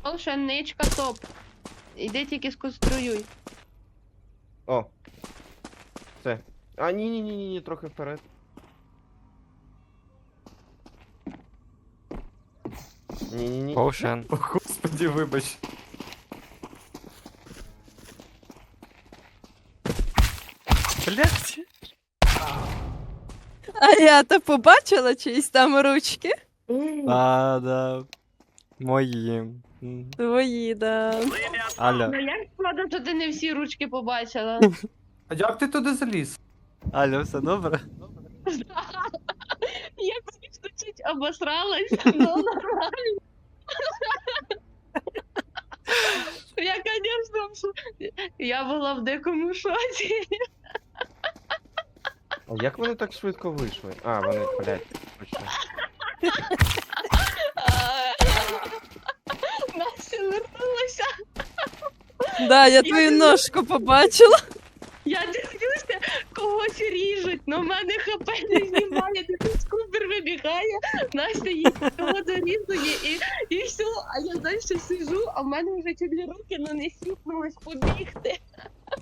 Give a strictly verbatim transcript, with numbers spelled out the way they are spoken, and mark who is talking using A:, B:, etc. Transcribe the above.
A: Волшебничка топ. Іди тільки сконструюй.
B: О. Все. А, ні, ні, ні, ні, ні, трохи вперед. Ні, ні, ні.
C: Поушен.
D: О, господи, вибач.
C: Блять.
E: А я то побачила чиїсь там ручки.
C: А, да. Мої. М.
E: Твої, да.
C: Алло.
A: Ну як складно, що ти не всі ручки побачила?
D: А як ти туди заліз?
C: Алло, все добре?
A: Я, звісно, чуть обосралась, но нормально. Я, конечно, я була в дикому шоці.
B: А як вони так швидко вийшли? А, вони, блядь, точно.
A: Настя вернулася.
E: Да, я твою ножку побачила.
A: Я дивлюся, когось ріжуть, но в мене хп не знімає, такий скупер вибігає, Настя її того дорізує і, і все, а я далі сижу, а в мене вже чуть ли руки ну, не сіпнулись побігти.